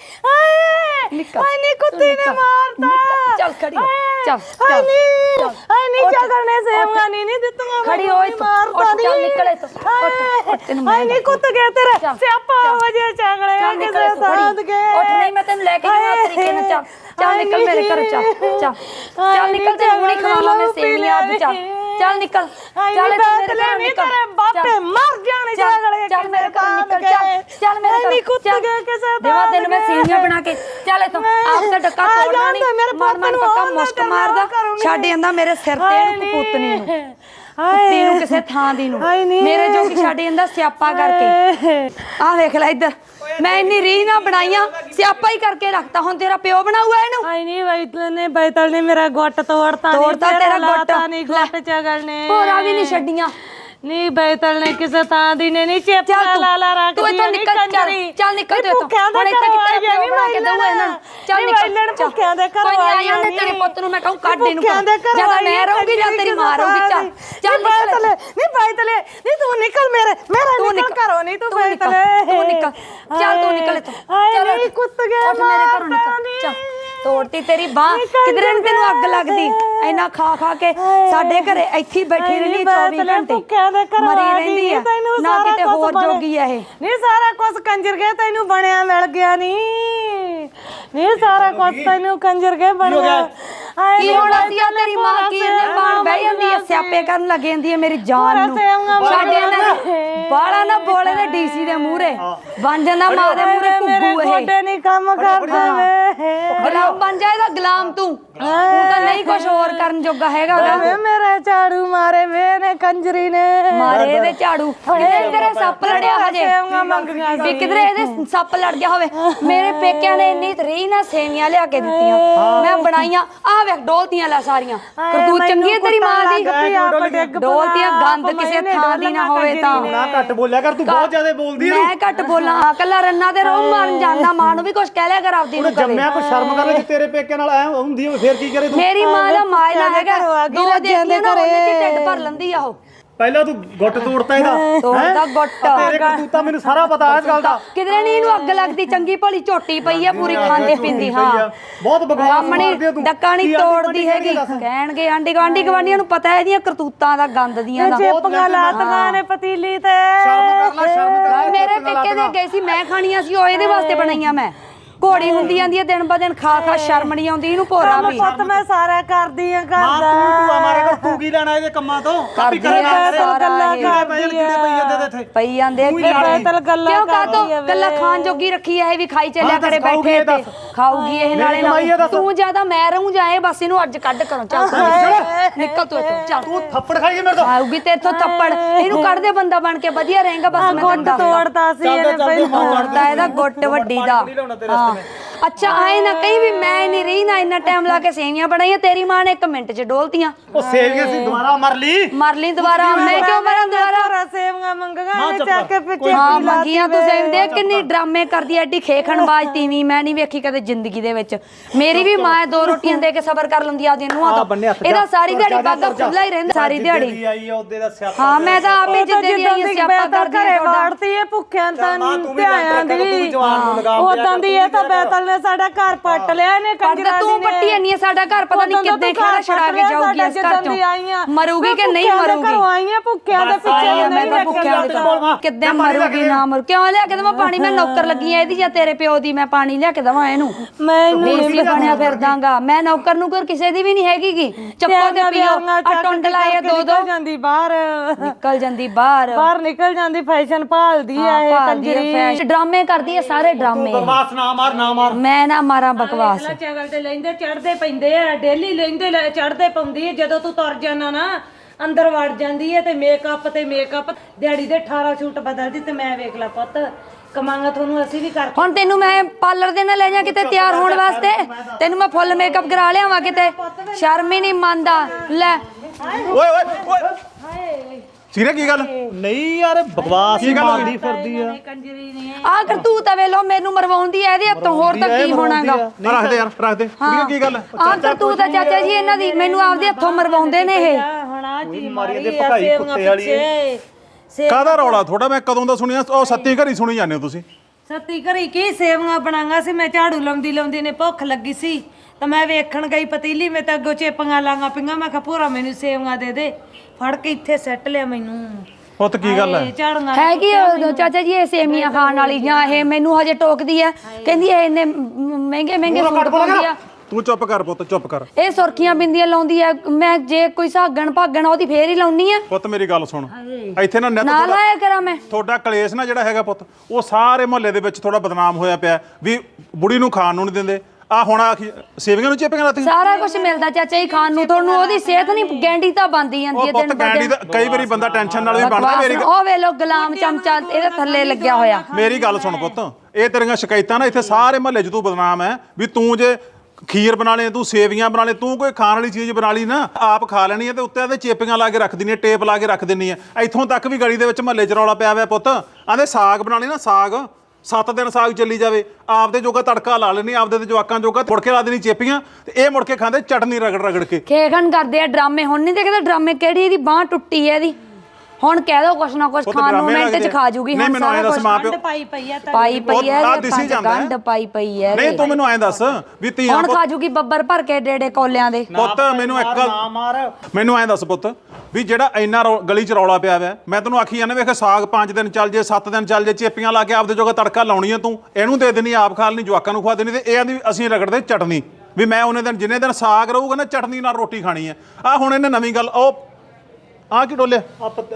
Speaker 2: ਹਾਏ ਨਹੀਂ ਕੁੱਤੀ ਨੇ ਮਾਰਦਾ।
Speaker 1: ਚੱਲ ਖੜੀ ਹੋ, ਚੱਲ
Speaker 2: ਹਾਏ ਨਹੀਂ ਝਗੜ ਨੇ ਸੇਵੀਆਂ ਨਹੀਂ ਦਿੱਤੀਆਂ,
Speaker 1: ਖੜੀ ਹੋਏ ਤੂੰ, ਚੱਲ ਨਿਕਲ ਇੱਥੋਂ, ਉੱਠ ਤੈਨੂੰ ਮੈਂ
Speaker 2: ਨਹੀਂ ਕੁੱਤ ਗਿਆ ਤੇਰਾ ਸਿਆਪਾ ਹੋ ਜੇ ਝਗੜੇ ਕਿਸੇ ਸਾਥ ਕੇ।
Speaker 1: ਉੱਠ, ਨਹੀਂ ਮੈਂ ਤੈਨੂੰ ਲੈ ਕੇ ਜਾਵਾਂ ਤਰੀਕੇ ਨਾਲ। ਚੱਲ ਚੱਲ ਨਿਕਲ ਮੇਰੇ ਘਰ, ਚੱਲ ਚੱਲ ਚੱਲ ਨਿਕਲ, ਤੈਨੂੰ ਹੁਣੀ ਖਵਾਵਾਂ ਮੈਂ ਸੇਵੀਆਂ ਅੱਜ। ਚੱਲ ਚੱਲ ਨਿਕਲ
Speaker 2: ਚੱਲ ਮੇਰੇ ਘਰੋਂ ਨਿਕਲ ਬਾਪੇ ਮਰ ਜਾਣੇ ਜਗਲੇ
Speaker 1: ਚੱਲ ਮੇਰੇ ਘਰੋਂ ਨਿਕਲ ਚੱਲ ਮੇਰੇ ਘਰੋਂ
Speaker 2: ਨਹੀਂ ਕੁੱਤ ਗਏ ਕਿਸੇ ਦਾ
Speaker 1: ਦੇਵਾ ਤੈਨੂੰ ਮੈਂ ਸੇਵੀਆਂ ਬਣਾ ਕੇ ਚੱਲ ਇਥੋਂ ਆਪ ਤਾਂ ਡੱਕਾ ਤੋੜਨਾ ਨਹੀਂ ਮਨ ਪੱਕਾ ਮੁਸਕ ਮਾਰਦਾ ਛੱਡ ਜਾਂਦਾ ਮੇਰੇ ਸਿਰ ਤੇ ਇਹਨੂੰ ਕਪੂਤਨੀ ਨੂੰ ਕੁੱਤੀ ਨੂੰ ਕਿਸੇ ਥਾਂ ਦੀ ਨੂੰ ਮੇਰੇ ਜੋਗੀ ਛੱਡ ਜਾਂਦਾ ਸਿਆਪਾ ਕਰਕੇ ਆਹ ਵੇਖ ਲੈ ਇੱਧਰ ਮੈਂ ਇੰਨੀ ਰੀਝ ਨਾ ਬਣਾਈਆਂ ਸਿਆਪਾ ਹੀ ਕਰਕੇ ਰੱਖਤਾ ਹੁਣ ਤੇਰਾ ਪਿਓ ਬਣਾਊਗਾ ਇਹਨੂੰ
Speaker 2: ਆਈ ਨਹੀਂ ਬੈਤਲ ਨੇ ਮੇਰਾ ਗੁੱਟ ਤੋੜਤਾ
Speaker 1: ਤੇਰਾ ਗੁੱਟ
Speaker 2: ਨਹੀਂ ਗੁੱਟ ਚਗਲ ਨੇ
Speaker 1: ਹੋਰਾਂ ਵੀ ਨਹੀਂ ਛੱਡੀਆਂ
Speaker 2: ਨਹੀਂ ਬੈਤਲ ਨੇ ਕਿਸੇ ਥਾਂ ਦੀ ਨੇ ਨਹੀਂ ਚੇਪਾ ਲਾ ਰੱਖ
Speaker 1: ਤੂੰ ਇੱਥੋਂ ਨਿਕਲ ਚੱਲ ਨਿਕਲ ਤੂੰ ਇੱਥੋਂ ਹੁਣ ਇੱਥੇ ਕਿੱਥੇ ਪਿਓ ਬਣਾ ਕੇ ਦਊ ਇਹਨਾਂ ਨੂੰ ਚੱਲ ਨਿਕਲ
Speaker 2: ਭੁੱਖਿਆਂ ਦੇ ਘਰੋਂ
Speaker 1: ਕੋਈ ਨਹੀਂ ਆ ਜਾਂਦੇ ਤੇਰੇ ਪੁੱਤ ਨੂੰ ਮੈਂ ਕਹੂੰ ਕੱਢ ਇਹਨੂੰ ਜਾਂ ਤਾਂ ਮੈਂ ਰਹੂੰਗੀ ਜਾਂ ਤੇਰੀ ਮਾਂ ਰਹੂਗੀ ਚੱਲ
Speaker 2: ਬੈਤਲ ਨਹੀਂ ਤੂੰ ਨਿਕਲ ਮੇਰੇ ਨਿਕਲ ਘਰੋਂ ਨਹੀਂ ਤੂੰ ਬੈਤਲ
Speaker 1: ਤੂੰ ਨਿਕਲ ਚੱਲ ਤੂੰ ਨਿਕਲ ਇੱਥੋਂ ਚੱਲ
Speaker 2: ਨਹੀਂ ਕੁੱਤ ਗਿਆ
Speaker 1: ਉੱਠ ਮੇਰੇ ਘਰੋਂ ਨਿਕਲ ਚੱਲ ਤੋੜਤੀ ਤੇਰੀ ਬਾਹ ਕਿਧਰੇ ਨੂੰ ਤੈਨੂੰ ਅੱਗ ਲੱਗਦੀ ਇੰਨਾ ਖਾ ਖਾ ਕੇ ਸਾਡੇ ਘਰੇ ਇੱਥੇ ਹੀ ਬੈਠੀ ਰਹਿੰਦੀ 24 ਘੰਟੇ ਮਰੀ ਰਹਿੰਦੀ ਆ ਨਾ ਕਿਤੇ ਹੋਰ ਜੋਗੀ ਆ ਇਹ
Speaker 2: ਨਹੀਂ ਸਾਰਾ ਕੁਝ ਕੰਜਰ ਗਿਆ ਤੈਨੂੰ ਬਣਿਆ ਮਿਲ ਗਿਆ ਨਹੀਂ ਸਾਰਾ ਕੁਝ ਤੈਨੂੰ ਕੰਜਰ ਗਿਆ ਬਣਿਆ
Speaker 1: ਕੀ ਹੋਣਾ ਸੀ ਆ ਤੇਰੀ ਮਾਂ ਕੀ ਇਹਨੇ ਬਾਣ ਬਹਿ ਜਾਂਦੀ ਐ ਸਿਆਪੇ ਕਰਨ ਲੱਗ ਜਾਂਦੀ ਐ ਮੇਰੀ ਜਾਨ ਨੂੰ ਸਾਡੇ ਇਹਨਾਂ ਬਾਲਾ ਨਾ ਬੋਲੇ ਨੇ ਡੀਸੀ ਦੇ ਮੂਹਰੇ ਬਣ ਜਾਂਦਾ ਮਾਂ ਦੇ ਮੂਹਰੇ ਘੁੱਗੂ ਇਹ
Speaker 2: ਗੋਡੇ ਨਹੀਂ ਕੰਮ ਕਰਦੇ ਵੇ
Speaker 1: ਗੁਲਾਮ ਬਣ ਜਾਏਗਾ ਗੁਲਾਮ ਤੂੰ ਤਾਂ ਨਹੀਂ ਕੁਝ ਹੋਰ ਕਰਨ ਜੋਗਾ ਹੈਗਾ
Speaker 2: ਮੇਰੇ ਝਾੜੂ ਮਾਰੇ ਵੇ ਨੇ ਕੰਜਰੀ ਨੇ
Speaker 1: ਮਾਰੇ ਇਹਦੇ ਝਾੜੂ ਕਿਧਰੇ ਤੇਰੇ ਸੱਪ ਲੜਿਆ ਹਜੇ
Speaker 2: ਮੰਗੀਆਂ
Speaker 1: ਵੀ ਕਿਧਰੇ ਇਹਦੇ ਸੱਪ ਲੜ ਗਿਆ ਹੋਵੇ ਮੇਰੇ ਪੇਕਿਆਂ ਨੇ ਇੰਨੀ ਤਰੀ ਨਾ ਸੇਵੀਆਂ ਲਿਆ ਕੇ ਦਿੱਤੀਆਂ ਮੈਂ ਬਣਾਈਆਂ ਆਹ ਵੇਖ ਡੋਲਤੀਆਂ ਲੈ ਸਾਰੀਆਂ ਕਰਤੂਤ ਚੰਗੀ ਹੈ ਤੇਰੀ ਮਾਂ ਦੀ ਡੋਲਤੀਆਂ ਗੰਦ ਕਿਸੇ ਥਾਂ ਦੀ ਨਾ ਹੋਵੇ ਤਾਂ
Speaker 3: ਨਾ ਘੱਟ ਬੋਲਿਆ ਕਰ ਤੂੰ ਬਹੁਤ ਜ਼ਿਆਦਾ ਬੋਲਦੀ ਹੈ
Speaker 1: ਮੈਂ ਘੱਟ ਬੋਲਾਂ ਕੱਲਾ ਰੰਨਾ ਤੇ ਰੋਹ ਮਾਰਨ ਜਾਂਦਾ ਮਾਂ ਨੂੰ ਵੀ ਕੁਝ ਕਹਿ ਲਿਆ ਕਰ ਆਪਦੀ ਨੂੰ ਕਦੇ
Speaker 3: ਜੰਮਿਆ ਕੋਈ ਸ਼ਰਮ ਕਰ ਲੈ ਜੇ ਤੇਰੇ ਪੇਕੇ ਨਾਲ ਐ ਹੁੰਦੀ ਹੋਵੇ ਫੇਰ ਕੀ ਕਰੇ ਤੂੰ
Speaker 1: ਮੇਰੀ ਮਾਂ ਦਾ ਮਾਇਲਾ ਹੈਗਾ ਦੋ ਦੇਖੀਆਂ ਨਾ ਉਹਨੇ ਚ ਢਿੱਡ ਭਰ ਲੈਂਦੀ ਆ ਉਹ
Speaker 3: ਪਹਿਲਾਂ ਤੂੰ ਗੁੱਟ ਤੋੜਤਾ ਇਹਦਾ
Speaker 1: ਤੋੜਦਾ ਗੁੱਟ
Speaker 3: ਤੇਰੇ ਕਰਤੂਤਾਂ ਮੈਨੂੰ ਸਾਰਾ ਪਤਾ ਇਸ ਗੱਲ ਦਾ
Speaker 1: ਕਿਧਰੇ ਨਹੀਂ ਇਹਨੂੰ ਅੱਗ ਲੱਗਦੀ ਚੰਗੀ ਭਲੀ ਝੋਟੀ ਪਈ ਆ ਪੂਰੀ ਖਾਂਦੇ ਪੀਂਦੀ ਹਾਂ
Speaker 3: ਬਹੁਤ ਬਕਵਾਸ
Speaker 1: ਆਪਣੀ
Speaker 3: ਮਾਰਦੀ ਤੂੰ
Speaker 1: ਡੱਕਾ ਨਹੀਂ ਤੋੜਦੀ ਹੈਗੀ ਕਹਿਣਗੇ ਆਂਢੀ ਗੁਆਂਢੀ ਗਵਾਂਢੀਆਂ ਨੂੰ ਪਤਾ ਇਹਦੀਆਂ ਕਰਤੂਤਾਂ ਦਾ ਗੰਦ ਦੀਆਂ ਦਾ
Speaker 2: ਚੇਪੀਆਂ ਲਾਤੀਆਂ ਨੇ ਪਤੀਲੀ ਤੇ
Speaker 3: ਸ਼ਰਮ ਕਰ
Speaker 1: ਮੇਰੇ ਪੇਕੇ ਦੇ ਗਏ ਸੀ ਮੈਂ ਖਾਣੀਆਂ ਸੀ ਉਹ ਇਹਦੇ ਵਾਸਤੇ ਬਣਾਈਆਂ ਮੈਂ ਘੋੜੀ ਹੁੰਦੀ ਜਾਂਦੀ ਹੈ ਦਿਨ ਬ ਦਿਨ ਖਾ ਖਾ ਸ਼ਰਮ ਨਹੀਂ ਆਉਂਦੀ ਇਹਨੂੰ ਭੋਰਾ ਵੀ
Speaker 2: ਪੁੱਤ ਮੈਂ ਸਾਰਾ ਕਰਦੀ ਆ
Speaker 3: ਮਾਂ
Speaker 2: ਕਰਦਾ
Speaker 3: ਤੂੰ ਮਾਰੇ ਕਰ ਤੂੰ ਕੀ ਲੈਣਾ ਇਹਦੇ ਕੰਮਾਂ ਤੋਂ ਕਾਪੀ
Speaker 1: ਕਰਦੀ
Speaker 3: ਕਰਨਾ
Speaker 1: ਆ ਸਾਰਾ ਇਹ
Speaker 3: ਬੈਲ ਕੀੜੇ ਪਈ ਜਾਂਦੇ ਤੇ ਇੱਥੇ
Speaker 1: ਪਈ ਜਾਂਦੇ
Speaker 2: ਬੈਤਲ ਗੱਲਾਂ
Speaker 1: ਕਿਉਂ ਕਾਤੋਂ ਗੱਲਾਂ ਖਾਣ ਜੋਗੀ ਰੱਖੀ ਐ ਇਹ ਵੀ ਖਾਈ ਚੱਲਿਆ ਕਰੇ ਬੈਠੇ ਤੇ ਖਾਊਗੀ ਇਹ ਨਾਲੇ ਨਾ ਤੂੰ ਜਿਆਦਾ ਮੈਂ ਰਹੂੰ ਜਾਏ ਬਸ ਇਹਨੂੰ ਅੱਜ ਕੱਢ ਕਰੋ ਚੱਲ ਨਿਕਲ ਤੂੰ ਇੱਥੋਂ ਚੱਲ
Speaker 3: ਤੂੰ ਥੱਪੜ ਖਾਈਏ ਮੇਰੇ ਤੋਂ
Speaker 1: ਆਊਗੀ ਤੇ ਇੱਥੋਂ ਥੱਪੜ ਇਹਨੂੰ ਕੱਢ ਦੇ ਬੰਦਾ ਬਣ ਕੇ ਵਧੀਆ ਰਹੇਗਾ ਬਸ ਮੈਂ ਤੈਨੂੰ ਦੱਸਦਾ
Speaker 2: ਤੋੜਦਾ ਸੀ ਇਹਨੇ ਪਹਿਲਾਂ
Speaker 1: ਤੋੜਦਾ ਇਹਦਾ ਗੁੱਟ ਵੱਡੀ ਦਾ ਹਾਂ ਅੱਛਾ ਆਏ ਨਾ ਕਹੀ ਵੀ ਮੈਂ ਨਹੀਂ ਰਹੀ ਨਾ ਇੰਨਾ ਟਾਈਮ ਲਾ ਕੇ ਸੇਵੀਆਂ ਬਣਾਈਆਂ ਤੇਰੀ ਮਾਂ ਨੇ 1 ਮਿੰਟ 'ਚ ਡੋਲਤੀਆਂ
Speaker 3: ਉਹ ਸੇਵੀਆਂ ਸੀ ਦੁਬਾਰਾ ਮਰ ਲਈ
Speaker 1: ਦੁਬਾਰਾ ਮੈਂ ਕਿਉਂ ਮਰਾਂ ਦੁਬਾਰਾ
Speaker 2: ਸੇਵੀਆਂ ਮੰਗਾਂ ਨੇ ਚੱਕ ਕੇ ਪਿੱਛੇ
Speaker 1: ਹਾਂ ਮੰਗੀਆਂ ਤੂੰ ਸੇਵ ਦੇ ਕਿੰਨੀ ਡਰਾਮੇ ਕਰਦੀ ਐਡੀ ਖੇਖਣਬਾਜ਼ ਤੀਵੀਂ ਮੈਂ ਨਹੀਂ ਵੇਖੀ ਕਦੇ ਜ਼ਿੰਦਗੀ ਦੇ ਵਿੱਚ ਮੇਰੀ ਵੀ ਮਾਂ 2 ਰੋਟੀਆਂ ਦੇ ਕੇ ਸਬਰ ਕਰ ਲੈਂਦੀ ਆਪਦੀ ਨੂੰਹਾਂ ਤੋਂ ਇਹਦਾ ਸਾਰੀ ਦਿਹਾੜੀ ਬਾਗਾ ਖੁੱਲਾ ਹੀ ਰਹਿੰਦਾ ਸਾਰੀ ਦਿਹਾੜੀ
Speaker 3: ਆਈ ਆ ਉਹਦੇ ਦਾ ਸਿਆਪਾ
Speaker 1: ਹਾਂ ਮੈਂ ਤਾਂ ਆਪੇ ਜਿੱਦੇ ਦੀ ਆਈ ਸਿਆਪਾ ਕਰਦੀ
Speaker 2: ਘਰੇ ਵਾੜਤੀ ਇਹ ਭੁੱਖਿਆਂ ਤਾਂ ਧਿਆਨ ਦੀ ਉਦਾਂ ਦੀ ਇਹ ਤਾਂ ਬੈਤਲ ਨੇ ਸਾਡਾ ਘਰ ਪੱਟ ਲਿਆ ਇਹਨੇ ਕੰਜਰਾਂ ਦੀ
Speaker 1: ਤੂੰ ਪੱਟੀ ਨਹੀਂ ਸਾਡਾ ਘਰ ਪਤਾ ਨਹੀਂ ਕਿੱਦਾਂ ਖੜਾ ਛੜਾ ਕੇ ਜਾਊਗੀ ਇਸ ਘਰ ਚੋਂ ਮਰੂਗੀ ਕਿ ਨਹੀਂ ਮਰੂਗੀ
Speaker 2: ਘਰੋਂ ਆਈਆਂ ਭੁੱਖਿਆਂ ਦੇ ਪਿੱਛੇ
Speaker 1: ਮੈਂ ਤਾਂ ਭੁੱਖਿਆਂ ਦੇ ਕਿੱਦਾਂ ਮਰੂਗੀ ਨਾ ਮਰੂ ਕਿਉਂ ਲਿਆ ਕੇ ਦਵਾਂ ਪਾਣੀ ਮੈਂ ਨੌਕਰ ਲੱਗੀ ਆ ਇਹਦੀ ਜਾਂ ਤੇਰੇ ਪਿਓ ਦੀ ਮੈਂ ਪਾਣੀ ਲਿਆ ਕੇ ਦਵਾਂ ਇਹਨੂੰ ਬੇਸੀ ਬਣਿਆ ਫਿਰਦਾਂਗਾ ਮੈਂ ਨੌਕਰ ਨੂੰ ਕੋਈ ਕਿਸੇ ਦੀ ਵੀ ਨਹੀਂ ਹੈਗੀਗੀ ਚੱਕੋ ਤੇ ਪੀਓ ਆ ਟੁੰਡ ਲਾਏ 2-2
Speaker 2: ਜਾਂਦੀ ਬਾਹਰ
Speaker 1: ਨਿਕਲ ਜਾਂਦੀ ਬਾਹਰ
Speaker 2: ਨਿਕਲ ਜਾਂਦੀ ਫੈਸ਼ਨ ਭਾਲਦੀ ਆ ਇਹ ਕੰਜਰੀ
Speaker 1: ਡਰਾਮੇ ਕਰਦੀ ਆ ਸਾਰੇ ਡਰਾਮੇ
Speaker 3: ਬਕਵਾਸ ਨਾ ਮਾਰ
Speaker 1: ਮੈਂ ਨਾ ਮਾਰਾਂ ਬਕਵਾਸ
Speaker 2: ਚਗਲ ਤੇ ਲੈਂਦੇ ਚੜਦੇ ਪੈਂਦੇ ਆ ਡੇਲੀ ਲੈਂਦੇ ਚੜਦੇ ਪਾਉਂਦੀ ਹੈ ਜਦੋਂ ਤੂੰ ਤੁਰ ਜਾਣਾ ਨਾ ਅੰਦਰ ਵੜ ਜਾਂਦੀ ਹੈ ਤੇ ਮੇਕਅਪ ਦਿਹਾੜੀ ਦੇ 18 ਸੂਟ ਬਦਲਦੀ ਤੇ ਮੈਂ ਵੇਖ ਲਾ ਪੁੱਤ ਕਮਾਂਗਾ ਤੁਹਾਨੂੰ ਅਸੀਂ ਵੀ ਕਰ
Speaker 1: ਹੁਣ ਤੈਨੂੰ ਮੈਂ ਪਾਰਲਰ ਦੇ ਨਾਲ ਲੈ ਜਾ ਕਿਤੇ ਤਿਆਰ ਹੋਣ ਵਾਸਤੇ ਤੈਨੂੰ ਮੈਂ ਫੁੱਲ ਮੇਕਅਪ ਕਰਾ ਲਿਆਵਾਂ ਕਿਤੇ ਸ਼ਰਮ ਹੀ ਨਹੀਂ ਮੰਨਦਾ ਲੈ
Speaker 4: ਓਏ ਸੀਰੇ ਕੀ ਗੱਲ
Speaker 3: ਨਹੀਂ ਯਾਰ ਬਕਵਾਸ ਮਾਰਦੀ ਫਿਰਦੀ ਆ
Speaker 2: ਕੰਜਰੀ ਨੇ
Speaker 1: ਆ ਕਰਤੂਤ ਆ ਵੇਲੋ ਮੈਨੂੰ ਮਰਵਾਉਂਦੀ ਐ ਇਹਦੇ ਹੱਥੋਂ ਹੋਰ ਤਾਂ ਕੀ ਹੋਣਾਗਾ
Speaker 4: ਰੱਖ ਦੇ ਯਾਰ ਰੱਖ ਦੇ ਕੁੜੀਆਂ ਕੀ ਗੱਲ
Speaker 1: ਆ ਕਰਤੂਤ ਆ ਚਾਚਾ ਜੀ ਇਹਨਾਂ ਦੀ ਮੈਨੂੰ ਆਪਦੇ ਹੱਥੋਂ ਮਰਵਾਉਂਦੇ ਨੇ ਇਹ
Speaker 2: ਹੁਣ ਆ ਜੀ
Speaker 3: ਮਾਰੀ ਦੇ ਭਕਾਈ ਕੁੱਤੇ ਵਾਲੀ
Speaker 4: ਕਾਹਦਾ ਰੌਲਾ ਥੋੜਾ ਮੈਂ ਕਦੋਂ ਦਾ ਸੁਣਿਆ ਉਹ ਸੱਤੀ ਘਰੀ ਸੁਣੀ ਜਾਂਦੇ ਹੋ ਤੁਸੀਂ
Speaker 2: ਸੱਤੀ ਘਰੀ ਕੀ ਸੇਵੀਆਂ ਬਣਾਂਗਾ ਸੀ ਮੈਂ ਝਾੜੂ ਲਾਉਂਦੀ ਨੇ ਭੁੱਖ ਲੱਗੀ ਸੀ ਤਾਂ ਮੈਂ ਵੇਖਣ ਗਈ ਪਤੀਲੀ ਮੈਂ ਤਾਂ ਅੱਗੋਂ ਚੇਪੀਆਂ ਲਾਂਗਾ ਪਿੰਗਾ ਮੈਂ ਕਿਹਾ ਭੋਰਾ ਮੈਨੂੰ ਸੇਵੀਆਂ ਦੇ ਫੜ ਕੇ ਇੱਥੇ ਸੱਟ ਲਿਆ ਮੈਨੂੰ
Speaker 4: ਪੁੱਤ ਕੀ ਗੱਲ ਹੈ
Speaker 2: ਝਾੜੂਆਂ
Speaker 1: ਹੈਗੀ ਚਾਚਾ ਜੀ ਇਹ ਸੇਮੀਆਂ ਖਾਣ ਵਾਲੀ ਜਾਂ ਇਹ ਮੈਨੂੰ ਹਜੇ ਟੋਕਦੀ ਆ ਕਹਿੰਦੀ ਇਹ ਇੰਨੇ ਮਹਿੰਗੇ ਸੂਟ ਪਾਉਂਦੀ ਆ
Speaker 4: ਤੂੰ ਚੁੱਪ ਕਰ ਪੁੱਤ ਚੁੱਪ ਕਰ।
Speaker 1: ਇਹ ਸੁਰਖੀਆਂ ਬਿੰਦੀਆਂ ਲਾਉਂਦੀ ਆ, ਮੈਂ ਜੇ ਕੋਈ ਸਾਗਣ ਭਾਗਣ ਉਹਦੀ ਫੇਰ ਹੀ ਲਾਉਣੀ ਆ।
Speaker 4: ਪੁੱਤ ਮੇਰੀ ਗੱਲ ਸੁਣ, ਇੱਥੇ ਨਾ ਨਿੱਤ
Speaker 1: ਨਾਲ ਆਇਆ ਕਰਾਂ ਮੈਂ।
Speaker 4: ਤੁਹਾਡਾ ਕਲੇਸ਼ ਨਾ ਜਿਹੜਾ ਹੈਗਾ ਪੁੱਤ, ਉਹ ਸਾਰੇ ਮੁਹੱਲੇ ਦੇ ਵਿੱਚ ਥੋੜਾ ਬਦਨਾਮ ਹੋਇਆ ਪਿਆ ਵੀ ਬੁੜੀ ਨੂੰ ਖਾਣ ਨੂੰ ਨਹੀਂ ਦਿੰਦੇ। ਆ ਹੁਣ ਸੇਵੀਆਂ ਨੂੰ ਚੇਪੀਆਂ ਲਾਤੀ।
Speaker 1: ਸਾਰਾ ਕੁਝ ਮਿਲਦਾ ਚਾਚਾ ਜੀ ਖਾਣ ਨੂੰ, ਤੁਹਾਨੂੰ ਉਹਦੀ ਸਿਹਤ ਨਹੀਂ ਗੈਂਡੀ ਤਾਂ ਬੰਦੀ ਜਾਂਦੀ ਹੈ
Speaker 4: ਪੁੱਤ ਗੈਂਡੀ ਦਾ ਕਈ ਵਾਰੀ ਬੰਦਾ ਟੈਨਸ਼ਨ ਨਾਲ ਵੀ ਬਣਦਾ। ਮੇਰੀ
Speaker 1: ਉਹ ਵੇ ਲੋ ਗੁਲਾਮ ਚਮਚਾ ਇਹਦੇ ਥੱਲੇ ਲੱਗਿਆ ਹੋਇਆ।
Speaker 4: ਮੇਰੀ ਗੱਲ ਸੁਣ ਪੁੱਤ, ਇਹ ਤੇਰੀਆਂ ਸ਼ਿਕਾਇਤਾਂ ਨਾ ਇੱਥੇ ਸਾਰੇ ਮੁਹੱਲੇ 'ਚ ਤੂੰ ਬਦਨਾਮ ਹੈ ਵੀ ਤੂੰ ਜੇ ਖੀਰ ਬਣਾ ਲੈ, ਤੂੰ ਸੇਵੀਆਂ ਬਣਾ ਲੈ, ਤੂੰ ਕੋਈ ਖਾਣ ਵਾਲੀ ਚੀਜ਼ ਬਣਾ ਲਈ ਨਾ ਆਪ ਖਾ ਲੈਣੀ ਹੈ ਤੇ ਉੱਤੇ ਇਹਦੇ ਚੇਪੀਆਂ ਲਾ ਕੇ ਰੱਖ ਦਿੰਨੀ ਹੈ, ਟੇਪ ਲਾ ਕੇ ਰੱਖ ਦਿੰਨੀ ਹੈ। ਇੱਥੋਂ ਤੱਕ ਵੀ ਗਲੀ ਦੇ ਵਿੱਚ ਮੁਹੱਲੇ 'ਚ ਰੌਲਾ ਪਿਆ ਹੋਇਆ ਪੁੱਤ। ਆਂਦੇ ਸਾਗ ਬਣਾ ਲਈ ਨਾ, ਸਾਗ 7 ਦਿਨ ਸਾਗ ਚੱਲੀ ਜਾਵੇ, ਆਪਦੇ ਜੋਗਾ ਤੜਕਾ ਲਾ ਲੈਣੀ, ਆਪਦੇ ਤੇ ਜਵਾਕਾਂ ਜੋਗਾ ਮੁੜ ਕੇ ਲਾ ਦੇਣੀ ਚੇਪੀਆਂ ਤੇ ਇਹ ਮੁੜ ਕੇ ਖਾਂਦੇ ਚਟਨੀ ਰਗੜ ਰਗੜ ਕੇ।
Speaker 1: ਖੇਖਣ ਕਰਦੇ ਆ ਡਰਾਮੇ। ਹੁਣ ਨਹੀਂ ਦੇਖਦਾ ਡਰਾਮੇ ਕਿਹੜੀ ਇਹਦੀ ਬਾਹ ਟੁੱਟੀ ਹੈ ਇਹਦੀ। ਹੁਣ ਕਹਿ ਦੋ ਕੁਛ ਨਾ ਕੁਛ ਖਾਣ ਨੂੰ ਮਿੰਟ 'ਚ ਖਾ ਜੂਗੀ।
Speaker 4: ਨਹੀਂ ਮੈਨੂੰ ਐਂ ਦੱਸ ਮਾਂ ਪਿਓ
Speaker 2: ਪਾਈ ਪਈ ਆ
Speaker 1: ਪਾਈ ਪਈ ਹੈ,
Speaker 4: ਆ ਦਿਸੀ ਜਾਂਦਾ
Speaker 1: ਗੰਢ ਪਾਈ ਪਈ ਹੈ।
Speaker 4: ਨਹੀਂ ਤੂੰ ਮੈਨੂੰ ਐਂ ਦੱਸ ਵੀ ਧੀਆਂ
Speaker 1: ਹੁਣ ਖਾ ਜੂਗੀ ਬੱਬਰ ਭਰ ਕੇ ਡੇੜੇ ਕੋਲਿਆਂ ਦੇ।
Speaker 4: ਪੁੱਤ ਮੈਨੂੰ ਇੱਕ ਗੱਲ ਮੈਨੂੰ ਐਂ ਦੱਸ ਪੁੱਤ ਵੀ ਜਿਹੜਾ ਇੰਨਾ ਗਲੀ 'ਚ ਰੌਲਾ ਪਿਆ ਵਾ, ਮੈਂ ਤੈਨੂੰ ਆਖੀ ਜਾਂਦਾ ਵੇਖ ਸਾਗ 5 ਦਿਨ ਚੱਲ ਜੇ 7 ਦਿਨ ਚੱਲ ਜੇ, ਚੇਪੀਆਂ ਲਾ ਕੇ ਆਪਦੇ ਜੋਗਾ ਤੜਕਾ ਲਾਉਣੀ ਆ, ਤੂੰ ਇਹਨੂੰ ਦੇ ਦੇਣੀ ਆਪ ਖਾ ਲੈਣੀ, ਜਵਾਕਾਂ ਨੂੰ ਖਵਾ ਦੇਣੀ ਤੇ ਇਹ ਆਂਦੀ ਅਸੀਂ ਰਗੜਦੇ ਚਟਨੀ ਵੀ ਮੈਂ ਉਹਨੇ ਦਿਨ ਜਿੰਨੇ ਦਿਨ ਸਾਗ ਰਹੂਗਾ ਨਾ ਚਟਨੀ ਨਾਲ ਰੋਟੀ ਖਾਣੀ ਆ। ਆ ਹੁਣ ਇਹਨੇ ਨਵੀਂ ਗੱਲ ਉਹ ਆ ਕੀ ਡੋਲਿਆ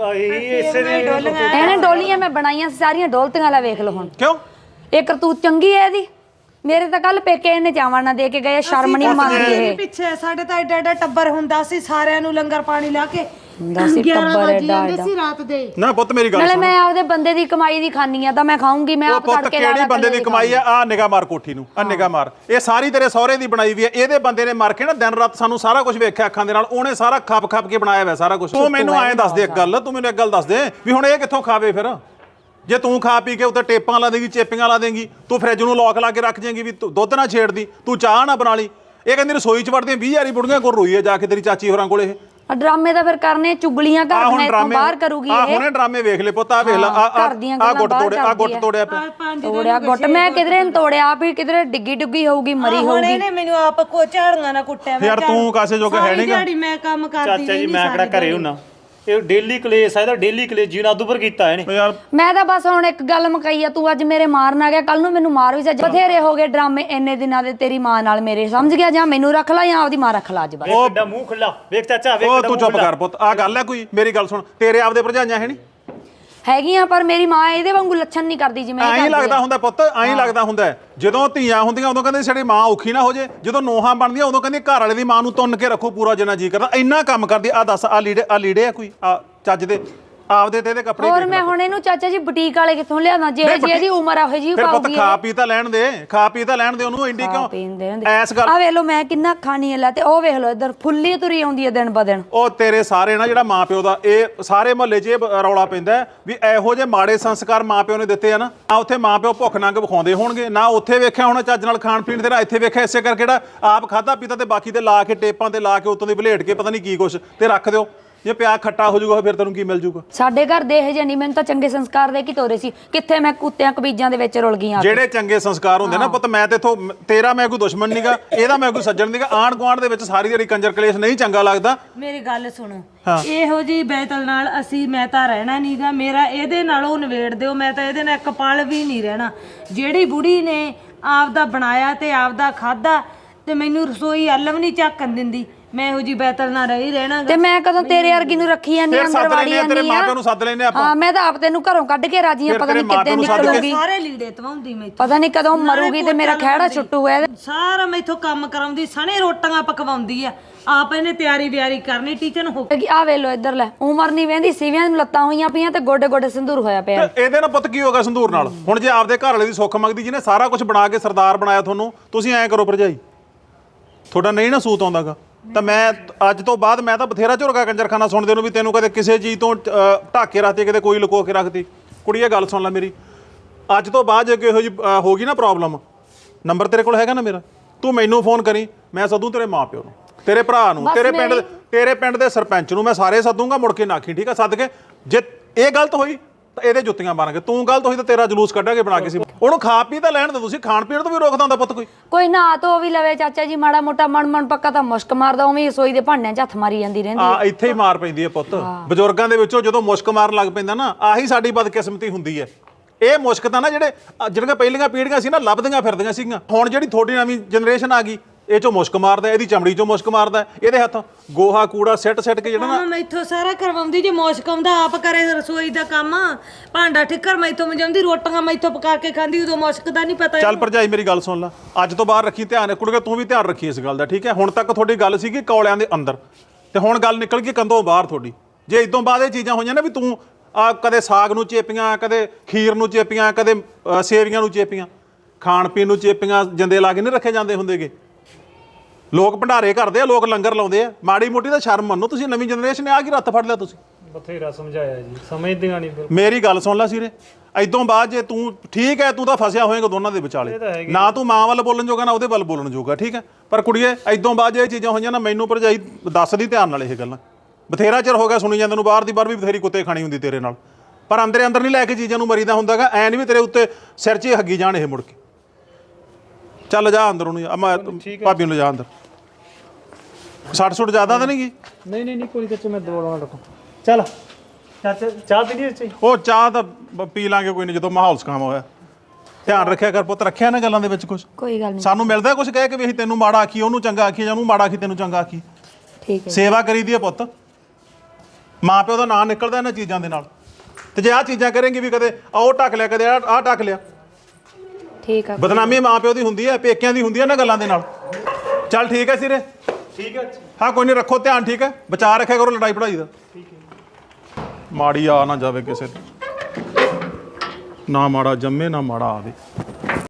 Speaker 1: ਇਹਨੇ ਡੋਲੀਆਂ ਮੈਂ ਬਣਾਈਆਂ ਸਾਰੀਆਂ ਡੋਲਤੀਆਂ ਲਾ ਵੇਖ ਲਓ ਹੁਣ।
Speaker 4: ਕਿਉਂ
Speaker 1: ਇਹ ਕਰਤੂਤ ਚੰਗੀ ਹੈ ਇਹਦੀ। ਮੇਰੇ ਤਾਂ ਕੱਲ ਪੇਕੇ ਇਹਨੇ ਚਾਵਣ ਨਾ ਦੇ ਕੇ ਗਏ, ਸ਼ਰਮ ਨਹੀਂ ਮੰਨਦੀ ਇਹ।
Speaker 2: ਪਿੱਛੇ ਸਾਡੇ ਤਾਂ ਏਡਾ ਏਡਾ ਟੱਬਰ ਹੁੰਦਾ ਸੀ, ਸਾਰਿਆਂ ਨੂੰ ਲੰਗਰ ਪਾਣੀ ਲਾ ਕੇ
Speaker 1: ਹੁੰਦਾ ਸੀ ਟੱਬਰ ਏਡਾ
Speaker 2: ਸੀ ਰਾਤ ਦੇ।
Speaker 4: ਨਾ ਪੁੱਤ ਮੇਰੀ ਗੱਲ
Speaker 1: ਨਾਲੇ
Speaker 4: ਸੁਣ,
Speaker 1: ਮੈਂ ਆਪਦੇ ਬੰਦੇ ਦੀ ਕਮਾਈ ਦੀ ਖਾਨੀ ਆ ਤਾਂ ਮੈਂ ਖਾਊਂਗੀ। ਮੈਂ
Speaker 4: ਉਹ
Speaker 1: ਆਪ
Speaker 4: ਪੁੱਤ
Speaker 1: ਤੜਕੇ
Speaker 4: ਕਿਹੜੀ ਬੰਦੇ ਦੀ ਕਮਾਈ ਆ? ਆ ਨਿਗਾਹ ਮਾਰ ਕੋਠੀ ਨੂੰ, ਆ ਨਿਗਾਹ ਮਾਰ, ਇਹ ਸਾਰੀ ਤੇਰੇ ਸਹੁਰੇ ਦੀ ਬਣਾਈ ਵੀ ਹੈ। ਇਹਦੇ ਬੰਦੇ ਨੇ ਮਰ ਕੇ ਨਾ ਦਿਨ ਰਾਤ ਸਾਨੂੰ ਸਾਰਾ ਕੁਝ ਵੇਖਿਆ ਅੱਖਾਂ ਦੇ ਨਾਲ, ਉਹਨੇ ਸਾਰਾ ਖੱਪ ਖੱਪ ਕੇ ਬਣਾਇਆ ਹੋਇਆ ਸਾਰਾ ਕੁਝ। ਤੂੰ ਮੈਨੂੰ ਐਂ ਦੱਸ ਦੇ ਇੱਕ ਗੱਲ, ਤੂੰ ਮੈਨੂੰ ਇੱਕ ਗੱਲ ਦੱਸ ਦੇ ਵੀ ਹੁਣ ਇਹ ਕਿੱਥੋਂ ਖਾਵੇ ਫਿਰ? ਜੇ ਤੂੰ ਖਾ ਪੀ ਕੇ ਉੱਤੇ ਟੇਪਾਂ ਲਾ ਦੇਂਗੀ, ਚੇਪੀਆਂ ਲਾ ਦੇਂਗੀ, ਤੂੰ ਫ੍ਰਿਜ ਨੂੰ ਲੋਕ ਲਾ ਕੇ ਰੱਖ ਜਾਏਂਗੀ ਵੀ ਤੂੰ ਦੁੱਧ ਨਾ ਛੇੜਦੀ, ਤੂੰ ਚਾਹ ਨਾ ਬਣਾ ਲਈ। ਇਹ ਕਹਿੰਦੀ ਰਸੋਈ 'ਚ ਵੜਦੀਆਂ 20 ਵਾਰੀ ਬੁੜੀਆਂ ਕੋਲ ਰੋਈ ਹੈ ਜਾ ਕੇ ਤੇਰੀ ਚਾਚੀ ਹੋਰਾਂ ਕੋਲ। ਇਹ
Speaker 1: ਡਰਾਮੇ ਤਾਂ ਫਿਰ ਕਰਨੇ, ਚੁਗਲੀਆਂ ਕਰਦੀਆਂ, ਇੱਥੋਂ ਬਾਹਰ ਕਰੂਗੀ
Speaker 4: ਆ
Speaker 1: ਇਹ।
Speaker 4: ਹੁਣੇ ਡਰਾਮੇ ਵੇਖ ਲੈ ਪੁੱਤ, ਆ ਵੇਖ ਲੈ ਆ ਗੁੱਟ ਤੋੜਿਆ, ਆ ਗੁੱਟ ਤੋੜਿਆ ਪਿਆ।
Speaker 1: ਤੋੜਿਆ ਗੁੱਟ ਮੈਂ ਕਿਧਰੇ ਨੀ ਤੋੜਿਆ, ਆਪ ਹੀ ਕਿਧਰੇ ਡਿੱਗੀ ਡੁੱਗੀ ਹੋਊਗੀ, ਮਰੀ
Speaker 2: ਹੁਣ
Speaker 1: ਹੋਊਗੀ।
Speaker 2: ਇਹਨੇ ਮੈਨੂੰ ਆਪ ਕੋ ਝਾੜੀਆਂ ਨਾ ਕੁੱਟਿਆ।
Speaker 4: ਯਾਰ ਤੂੰ ਕਾਸੇ ਜੋਗਾ ਹੈ ਨਹੀਂਗਾ।
Speaker 2: ਸਾਰੀ ਮੈਂ ਕੰਮ ਕਰਦੀ
Speaker 3: ਚਾਚਾ ਜੀ ਮੈਂ ਕਿਹੜਾ ਘਰੇ ਹੁੰਨਾ, ਇਹ ਡੇਲੀ ਕਲੇਸ਼ ਆ, ਇਹਦਾ ਡੇਲੀ ਕਲੇਸ਼ ਜੀ ਨਾਲ ਦੁਪਰ ਕੀਤਾ ਇਹਨੇ।
Speaker 4: ਯਾਰ
Speaker 1: ਮੈਂ ਤਾਂ ਬਸ ਹੁਣ ਇੱਕ ਗੱਲ ਮੁਕਾਈ ਆ, ਤੂੰ ਅੱਜ ਮੇਰੇ ਮਾਰਨ ਆ ਗਿਆ, ਕੱਲ ਨੂੰ ਮੈਨੂੰ ਮਾਰ ਵੀ ਜਾ। ਬਥੇਰੇ ਹੋ ਗਏ ਡਰਾਮੇ ਇੰਨੇ ਦਿਨਾਂ ਦੇ ਤੇਰੀ ਮਾਂ ਨਾਲ ਮੇਰੇ, ਸਮਝ ਗਿਆ? ਜਾਂ ਮੈਨੂੰ ਰੱਖ ਲਾ ਜਾਂ ਆਪਦੀ ਮਾਂ ਰੱਖ ਲਾ ਅੱਜ ਬਸ।
Speaker 3: ਵੇਖ ਕਿੱਡਾ ਮੂੰਹ ਖੁੱਲਾ, ਵੇਖ ਚਾਚਾ ਵੇਖ
Speaker 4: ਉਹ
Speaker 3: ਕਿੱਡਾ
Speaker 4: ਤੂੰ
Speaker 3: ਮੂੰਹ
Speaker 4: ਚੁੱਪ
Speaker 3: ਖੁੱਲਾ।
Speaker 4: ਕਰ ਪੁੱਤ, ਆ ਗੱਲ ਹੈ ਕੋਈ? ਮੇਰੀ ਗੱਲ ਸੁਣ, ਤੇਰੇ ਆਪਦੇ ਭਰਜਾਈਆਂ ਹੈ ਨਹੀਂ
Speaker 1: ਹੈਗੀਆਂ, ਪਰ ਮੇਰੀ ਮਾਂ ਇਹਦੇ ਵਾਂਗੂ ਲੱਛਣ ਨਹੀਂ ਕਰਦੀ ਜਿਵੇਂ ਇਹ
Speaker 4: ਐਂ
Speaker 1: ਕਰਦੀ
Speaker 4: ਲੱਗਦਾ
Speaker 1: ਆ।
Speaker 4: ਹੁੰਦਾ ਪੁੱਤ, ਐਂ ਲੱਗਦਾ ਹੁੰਦਾ ਜਦੋਂ ਧੀਆਂ ਹੁੰਦੀਆਂ ਉਦੋਂ ਕਹਿੰਦੇ ਸਾਡੀ ਮਾਂ ਔਖੀ ਨਾ ਹੋ ਜੇ, ਜਦੋਂ ਨੋਹਾਂ ਬਣਦੀਆਂ ਉਦੋਂ ਕਹਿੰਦੇ ਘਰ ਵਾਲੇ ਦੀ ਮਾਂ ਨੂੰ ਤੁੰਨ ਕੇ ਰੱਖੋ ਪੂਰਾ ਜਿੰਨਾ ਜੀ ਕਰਦਾ। ਇੰਨਾ ਕੰਮ ਕਰਦੀ ਆ। ਦੱਸ ਆ ਲੀੜੇ ਆ ਕੋਈ ਆ ਚੱਜ ਦੇ ਆਪਦੇ ਤੇ ਇਹਦੇ ਕੱਪੜੇ
Speaker 1: ਹੋਰ ਮੈਂ ਹੁਣ ਇਹਨੂੰ ਚਾਚਾ ਜੀ ਬੁਟੀਕ ਵਾਲੇ ਕਿੱਥੋਂ ਲਿਆਵਾਂ? ਜੇ ਇਹਦੀ ਉਮਰ ਆ ਉਹ ਜੀ
Speaker 4: ਫਿਰ ਪੁੱਤ
Speaker 1: ਪਾਉਗੀ।
Speaker 4: ਖਾ ਪੀ ਤਾਂ ਲੈਣ ਦੇ, ਖਾ ਪੀ ਤਾਂ ਲੈਣ ਦੇ ਉਹਨੂੰ। ਇੰਡੀ ਕਿਉਂ ਐਸ ਗੱਲ?
Speaker 1: ਆ ਵੇਖ ਲਓ ਮੈਂ ਕਿੰਨਾ ਖਾਣੀ ਹੈ ਲੈ, ਤੇ ਉਹ ਵੇਖ ਲਓ ਇੱਧਰ ਫੁੱਲੀ ਤੁਰੀ ਆਉਂਦੀ ਹੈ ਦਿਨ ਬ ਦਿਨ।
Speaker 4: ਉਹ ਤੇਰੇ ਸਾਰੇ ਨਾ ਜਿਹੜਾ ਮਾਂ ਪਿਓ ਦਾ ਇਹ ਸਾਰੇ ਮੁਹੱਲੇ 'ਚ ਇਹ ਰੌਲਾ ਪੈਂਦਾ ਵੀ ਇਹੋ ਜਿਹੇ ਮਾੜੇ ਸੰਸਕਾਰ ਮਾਂ ਪਿਓ ਨੇ ਦਿੱਤੇ ਆ ਨਾ, ਆ ਉੱਥੇ ਮਾਂ ਪਿਓ ਭੁੱਖ ਨੰਗ ਵਿਖਾਉਂਦੇ ਹੋਣਗੇ ਨਾ, ਉੱਥੇ ਵੇਖਿਆ ਹੋਣਾ ਚੱਜ ਨਾਲ ਖਾਣ ਪੀਣ ਤੇਰਾ, ਇੱਥੇ ਵੇਖਿਆ ਇਸੇ ਕਰਕੇ ਜਿਹੜਾ ਆਪ ਖਾਦਾ ਪੀਤਾ ਤੇ ਬਾਕੀ ਤੇ ਲਾ ਕੇ ਟੇਪਾਂ ਤੇ ਲਾ ਕੇ ਉੱਤੋਂ ਦੀ ਬਲੇਟ ਕੇ ਪਤਾ ਨਹੀਂ ਕੀ ਕੁਛ ਤੇ ਰੱਖ ਦਿਓ। ਜੇ ਪਿਆ ਖੱਟਾ ਹੋ ਜਾਊਗਾ ਫਿਰ ਤੈਨੂੰ ਕੀ ਮਿਲ ਜਾਊਗਾ?
Speaker 1: ਸਾਡੇ ਘਰ ਦੇ ਇਹ ਜਿਹੇ ਨਹੀਂ, ਮੈਨੂੰ ਤਾਂ ਚੰਗੇ ਸੰਸਕਾਰ ਦੇ ਕੇ ਤੋਰੇ ਸੀ, ਕਿੱਥੇ ਮੈਂ ਕੁੱਤਿਆਂ ਕਬੀਜਾਂ ਦੇ ਵਿੱਚ ਰੁਲ ਗਈ ਆ।
Speaker 4: ਜਿਹੜੇ ਚੰਗੇ ਸੰਸਕਾਰ ਹੁੰਦੇ ਨਾ ਪੁੱਤ, ਮੈਂ ਤੇ ਇਥੋਂ ਤੇਰਾ ਮੈਂ ਕੋਈ ਦੁਸ਼ਮਣ ਨਹੀਂਗਾ, ਇਹਦਾ ਮੈਂ ਕੋਈ ਸੱਜਣ ਨਹੀਂਗਾ। ਆਂਢ ਗੁਆਂਢ ਦੇ ਵਿੱਚ ਸਾਰੀ ਜਿਹੜੀ ਕੰਜਰ ਕਲੇਸ਼ ਨਹੀਂ ਚੰਗਾ ਲੱਗਦਾ।
Speaker 2: ਮੇਰੀ ਗੱਲ ਸੁਣੋ, ਇਹੋ ਜੀ ਬੈਤਲ ਨਾਲ ਮੈਂ ਤਾਂ ਰਹਿਣਾ ਨਹੀਂਗਾ। ਮੇਰਾ ਇਹਦੇ ਨਾਲੋਂ ਨਿਬੇੜ ਦਿਓ, ਮੈਂ ਤਾਂ ਇਹਦੇ ਨਾਲ ਇੱਕ ਪਲ ਵੀ ਨਹੀਂ ਰਹਿਣਾ। ਜਿਹੜੀ ਬੁੜੀ ਨੇ ਆਪਦਾ ਬਣਾਇਆ ਤੇ ਆਪਦਾ ਖਾਦਾ ਤੇ ਮੈਨੂੰ ਰਸੋਈ ਅੱਲਮ ਨਹੀਂ ਝਾਕਣ ਦਿੰਦੀ, ਮੈਂ ਇਹੋ ਜੀ ਬੈਤਲ ਨਾਲ ਰਹੀ ਰਹਿਣਾ।
Speaker 1: ਤੇ ਮੈਂ ਕਦੋਂ ਤੇਰੇ ਵਰਗੀ ਨੂੰ ਰੱਖੀ ਜਾਂਦੀ ਅੰਦਰ ਵਾੜੀ ਜਾਂਦੀ ਆ।
Speaker 4: ਤੇਰੇ ਮਾਪਿਆਂ ਨੂੰ ਸੱਦ ਲੈਨੇ ਆਪਾਂ।
Speaker 1: ਹਾਂ ਮੈਂ ਤਾਂ ਆਪ ਤੈਨੂੰ ਘਰੋਂ ਕੱਢ ਕੇ ਰਾਜੀ ਆ, ਪਤਾ ਨਹੀਂ ਕਿੱਦਾਂ ਨਿਕਲੂਗੀ,
Speaker 2: ਸਾਰੇ ਲੀੜੇ ਧਵਾਉਂਦੀ ਮੈਂ,
Speaker 1: ਪਤਾ ਨਹੀਂ ਕਦੋਂ ਮਰੂਗੀ ਤੇ ਮੇਰਾ ਖਹਿੜਾ ਛੁੱਟੂ ਹੈ।
Speaker 2: ਸਾਰਾ ਮੈਥੋਂ ਕੰਮ ਕਰਾਉਂਦੀ, ਸਣੇ ਰੋਟੀਆਂ ਪਕਵਾਉਂਦੀ ਆ, ਆਪ ਇਹਨੇ ਤਿਆਰੀ ਵਿਆਰੀ ਕਰਨੀ ਟੀਚਰ ਹੋ।
Speaker 1: ਆ ਵੇ ਲੋ ਇੱਧਰ ਲੈ, ਉਮਰ ਨਹੀਂ ਵਹਿੰਦੀ, ਸਿਵਿਆਂ ਨੂੰ ਲੱਤਾਂ ਹੋਈਆਂ ਪਈਆਂ ਤੇ ਗੋਡੇ ਗੋਡੇ ਸਿੰਦੂਰ ਹੋਇਆ ਪਿਆ।
Speaker 4: ਇਹਦੇ ਨਾਲ ਪੁੱਤ ਕੀ ਹੋਗਾ ਸੰਧੂਰ ਨਾਲ? ਹੁਣ ਜੇ ਆਪਦੇ ਘਰ ਵਾਲੇ ਦੀ ਸੁੱਖ ਮੰਗਦੀ, ਜਿਹਨੇ ਸਾਰਾ ਕੁਝ ਬਣਾ ਕੇ ਸਰਦਾਰ ਬਣਾਇਆ ਤੁਹਾਨੂੰ, ਤੁਸੀਂ ਐਂ ਕਰੋ ਭਰਜਾਈ, ਤੁਹਾਡਾ ਨਹੀਂ ਨਾ ਸੂਤ ਆਉਂਦਾਗਾ ਤਾਂ ਮੈਂ ਅੱਜ ਤੋਂ ਬਾਅਦ ਮੈਂ ਤਾਂ ਬਥੇਰਾ ਝੁਰਗਾ ਕੰਜਰਖਾਨਾ ਸੁਣਦੇ ਨੂੰ ਵੀ ਤੈਨੂੰ ਕਦੇ ਕਿਸੇ ਚੀਜ਼ ਤੋਂ ਢਾਕੇ ਰੱਖਦੇ, ਕਿਤੇ ਕੋਈ ਲੁਕੋ ਕੇ ਰੱਖਦੀ। ਕੁੜੀਏ ਗੱਲ ਸੁਣ ਲੈ ਮੇਰੀ, ਅੱਜ ਤੋਂ ਬਾਅਦ ਜੇ ਇਹੋ ਜਿਹੀ ਹੋ ਗਈ ਨਾ ਪ੍ਰੋਬਲਮ, ਨੰਬਰ ਤੇਰੇ ਕੋਲ ਹੈਗਾ ਨਾ ਮੇਰਾ, ਤੂੰ ਮੈਨੂੰ ਫੋਨ ਕਰੀ, ਮੈਂ ਸੱਦੂ ਤੇਰੇ ਮਾਪਿਓ ਨੂੰ, ਤੇਰੇ ਭਰਾ ਨੂੰ, ਤੇਰੇ ਪਿੰਡ ਦੇ ਸਰਪੰਚ ਨੂੰ, ਮੈਂ ਸਾਰੇ ਸੱਦੂਗਾ। ਮੁੜ ਕੇ ਨਾਖੀ, ਠੀਕ ਆ? ਸੱਦ ਕੇ ਜੇ ਇਹ ਗਲਤ ਹੋਈ ਤਾਂ ਇਹਦੇ ਜੁੱਤੀਆਂ ਮਾਰਾਂਗੇ, ਤੂੰ ਗਲਤ ਹੋਈ ਤਾਂ ਤੇਰਾ ਜਲੂਸ ਕੱਢਾਂਗੇ ਬਣਾ ਕੇ। ਸੀ ਉਹਨੂੰ ਖਾ ਪੀ ਤਾਂ ਲੈਣ ਦੇ, ਤੁਸੀਂ ਖਾਣ ਪੀਣ ਤੋਂ ਵੀ ਰੋਕਦਾ ਹੁੰਦਾ ਪੁੱਤ
Speaker 1: ਕੋਈ ਨਾ ਧੋ ਵੀ ਲਵੇ ਚਾਚਾ ਜੀ, ਮਾੜਾ ਮੋਟਾ ਮਨ ਪੱਕਾ ਤਾਂ ਮੁਸ਼ਕ ਮਾਰਦਾ, ਉਵੇਂ ਰਸੋਈ ਦੇ ਭਾਂਡਿਆਂ 'ਚ ਹੱਥ ਮਾਰੀ ਜਾਂਦੀ ਰਹਿੰਦੀ।
Speaker 4: ਆ ਇੱਥੇ ਹੀ ਮਾਰ ਪੈਂਦੀ ਹੈ ਪੁੱਤ। ਬਜ਼ੁਰਗਾਂ ਦੇ ਵਿੱਚੋਂ ਜਦੋਂ ਮੁਸ਼ਕ ਮਾਰਨ ਲੱਗ ਪੈਂਦਾ ਨਾ, ਆਹੀ ਸਾਡੀ ਬਦਕਿਸਮਤੀ ਹੁੰਦੀ ਹੈ। ਇਹ ਮੁਸ਼ਕ ਤਾਂ ਨਾ ਜਿਹੜੀਆਂ ਪਹਿਲੀਆਂ ਪੀੜ੍ਹੀਆਂ ਸੀ ਨਾ ਲੱਭਦੀਆਂ ਫਿਰਦੀਆਂ ਸੀਗੀਆਂ, ਹੁਣ ਜਿਹੜੀ ਤੁਹਾਡੀ ਨਵੀਂ ਜਨਰੇਸ਼ਨ ਆ ਗਈ ਇਹ ਚੋਂ ਮੁਸ਼ਕ ਮਾਰਦਾ, ਇਹਦੀ ਚਮੜੀ ਚੋਂ ਮੁਸ਼ਕ ਮਾਰਦਾ, ਇਹਦੇ ਹੱਥ ਗੋਹਾ ਕੂੜਾ ਸਿੱਟ ਕੇ ਜਿਹੜਾ ਨਾ
Speaker 2: ਮੈਥੋਂ ਸਾਰਾ ਕਰਵਾਉਂਦੀ ਜੇ ਮੌਸ਼ਕ ਆਉਂਦਾ ਆਪ ਕਰੇ ਰਸੋਈ ਦਾ ਕੰਮ, ਭਾਂਡਾ ਠਿੱਕਰ ਮੈਥੋਂ ਮਜਾਉਂਦੀ, ਰੋਟੀਆਂ ਮੈਥੋਂ ਪਕਾ ਕੇ ਖਾਂਦੀ, ਉਦੋਂ ਮੁਸ਼ਕ ਦਾ ਨਹੀਂ ਪਤਾ।
Speaker 4: ਚੱਲ ਭਰਜਾਈ ਮੇਰੀ ਗੱਲ ਸੁਣ ਲੈ, ਅੱਜ ਤੋਂ ਬਾਅਦ ਰੱਖੀ ਧਿਆਨ, ਕੁੜੀਏ ਤੂੰ ਵੀ ਧਿਆਨ ਰੱਖੀ ਇਸ ਗੱਲ ਦਾ, ਠੀਕ ਹੈ? ਹੁਣ ਤੱਕ ਤੁਹਾਡੀ ਗੱਲ ਸੀਗੀ ਕੌਲਿਆਂ ਦੇ ਅੰਦਰ, ਤੇ ਹੁਣ ਗੱਲ ਨਿਕਲ ਗਈ ਕੰਧੋਂ ਬਾਹਰ ਤੁਹਾਡੀ। ਜੇ ਇਦੋਂ ਬਾਅਦ ਇਹ ਚੀਜ਼ਾਂ ਹੋਈਆਂ ਨਾ ਵੀ ਤੂੰ ਕਦੇ ਸਾਗ ਨੂੰ ਚੇਪੀਆਂ, ਕਦੇ ਖੀਰ ਨੂੰ ਚੇਪੀਆਂ, ਕਦੇ ਸੇਵੀਆਂ ਨੂੰ ਚੇਪੀਆਂ, ਖਾਣ ਪੀਣ ਨੂੰ ਚੇਪੀਆਂ ਜਿੰਦੇ ਲਾ ਕੇ ਨਹੀਂ ਰੱਖੇ ਜਾਂਦੇ ਹੁੰਦੇਗੇ। ਲੋਕ ਭੰਡਾਰੇ ਕਰਦੇ ਆ, ਲੋਕ ਲੰਗਰ ਲਾਉਂਦੇ ਆ, ਮਾੜੀ ਮੋਟੀ ਤਾਂ ਸ਼ਰਮ ਮੰਨੋ ਤੁਸੀਂ। ਨਵੀਂ ਜਨਰੇਸ਼ਨ ਨੇ ਆ ਕੀ ਰੱਤ ਫੜ ਲਿਆ ਤੁਸੀਂ?
Speaker 3: ਬਥੇਰਾ ਸਮਝਾਇਆ ਜੀ, ਸਮਝਦੀਆਂ ਨਹੀਂ ਫਿਰ।
Speaker 4: ਮੇਰੀ ਗੱਲ ਸੁਣ ਲੈ ਸੀਰੇ, ਇਦੋਂ ਬਾਅਦ ਜੇ ਤੂੰ ਠੀਕ ਹੈ, ਤੂੰ ਤਾਂ ਫਸਿਆ ਹੋਏਗਾ ਦੋਨਾਂ ਦੇ ਵਿਚਾਲੇ, ਨਾ ਤੂੰ ਮਾਂ ਵੱਲ ਬੋਲਣ ਜੋਗਾ ਨਾ ਉਹਦੇ ਵੱਲ ਬੋਲਣ ਜੋਗਾ, ਠੀਕ ਹੈ? ਪਰ ਕੁੜੀਏ ਇਦੋਂ ਬਾਅਦ ਜੇ ਇਹ ਚੀਜ਼ਾਂ ਹੋਈਆਂ ਨਾ, ਮੈਨੂੰ ਭਰਜਾਈ ਦੱਸਦੀ ਧਿਆਨ ਨਾਲ ਇਹ ਗੱਲਾਂ। ਬਥੇਰਾ ਚਿਰ ਹੋ ਗਿਆ ਸੁਣੀ ਜਾਂਦੇ ਨੂੰ, ਬਾਹਰ ਦੀ ਬਾਹਰ ਵੀ ਬਥੇਰੀ ਕੁੱਤੇ ਖਾਣੀ ਹੁੰਦੀ ਤੇਰੇ ਨਾਲ, ਪਰ ਅੰਦਰ ਨਹੀਂ ਲੈ ਕੇ ਚੀਜ਼ਾਂ ਨੂੰ ਮਰੀਦਾ ਹੁੰਦਾਗਾ। ਐ ਨਹੀਂ ਵੀ ਤੇਰੇ ਉੱਤੇ ਸਿਰ 'ਚ ਹੀ ਹੱਗੀ ਜਾਣ ਇਹ ਮੁੜ ਕੇ। ਚੱਲ ਜਾ ਅੰਦਰ ਉਹਨੂੰ, ਭਾਬੀ ਨੂੰ ਲਿਜਾ ਅੰਦਰ। 60 ਜ਼ਿਆਦਾ ਤਾਂ ਨਹੀਂ ਗਈ?
Speaker 3: ਨਹੀਂ ਕੋਈ ਚਾਚਾ, ਮੈਂ ਦਵਾਉਣਾ ਰੱਖੋ। ਚੱਲ ਚਾਚਾ, ਚਾਹ ਪੀ ਲਈ ਚਾਚੀ?
Speaker 4: ਉਹ ਚਾਹ ਤਾਂ ਪੀ ਲਾਂਗੇ ਕੋਈ ਨਹੀਂ, ਜਦੋਂ ਮਾਹੌਲ ਸਕਾਮ ਹੋਇਆ। ਧਿਆਨ ਰੱਖਿਆ ਕਰ ਪੁੱਤ, ਰੱਖਿਆ ਨਾ ਗੱਲਾਂ ਦੇ ਵਿੱਚ ਕੁਝ।
Speaker 1: ਕੋਈ ਗੱਲ ਨਹੀਂ,
Speaker 4: ਸਾਨੂੰ ਮਿਲਦਾ ਕੁਝ ਕਹਿ ਕੇ ਵੀ ਅਸੀਂ ਤੈਨੂੰ ਮਾੜਾ ਆਖੀ, ਉਹਨੂੰ ਚੰਗਾ ਆਖੀ, ਜਾਂ ਉਹਨੂੰ ਮਾੜਾ ਆਖੀ ਤੈਨੂੰ ਚੰਗਾ ਆਖੀ।
Speaker 1: ਠੀਕ ਹੈ।
Speaker 4: ਸੇਵਾ ਕਰੀਦੀ ਹੈ ਪੁੱਤ, ਮਾਂ ਪਿਓ ਦਾ ਨਾਂ ਨਿਕਲਦਾ ਇਹਨਾਂ ਚੀਜ਼ਾਂ ਦੇ ਨਾਲ। ਤੇ ਜੇ ਆਹ ਚੀਜ਼ਾਂ ਕਰੇਂਗੀ ਵੀ ਕਦੇ ਉਹ ਢੱਕ ਲਿਆ, ਕਦੇ ਆਹ ਢੱਕ ਲਿਆ,
Speaker 1: ਠੀਕ ਆ।
Speaker 4: ਬਦਨਾਮੀ ਮਾਂ ਪਿਓ ਦੀ ਹੁੰਦੀ ਹੈ, ਪੇਕਿਆਂ ਦੀ ਹੁੰਦੀ ਹੈ ਨਾ ਗੱਲਾਂ ਦੇ ਨਾਲ। ਚੱਲ ਠੀਕ ਹੈ ਸਿਰੇ,
Speaker 3: ਠੀਕ ਹੈ।
Speaker 4: ਹਾਂ ਕੋਈ ਨਹੀਂ, ਰੱਖੋ ਧਿਆਨ, ਠੀਕ ਹੈ? ਬਚਾ ਰੱਖਿਆ ਕਰੋ ਲੜਾਈ ਪੜਾਈ ਦਾ। ਠੀਕ ਹੈ। ਮਾੜੀ ਆ ਨਾ ਜਾਵੇ ਕਿਸੇ ਤੇ, ਨਾ ਮਾੜਾ ਜੰਮੇ ਨਾ ਮਾੜਾ ਆਵੇ।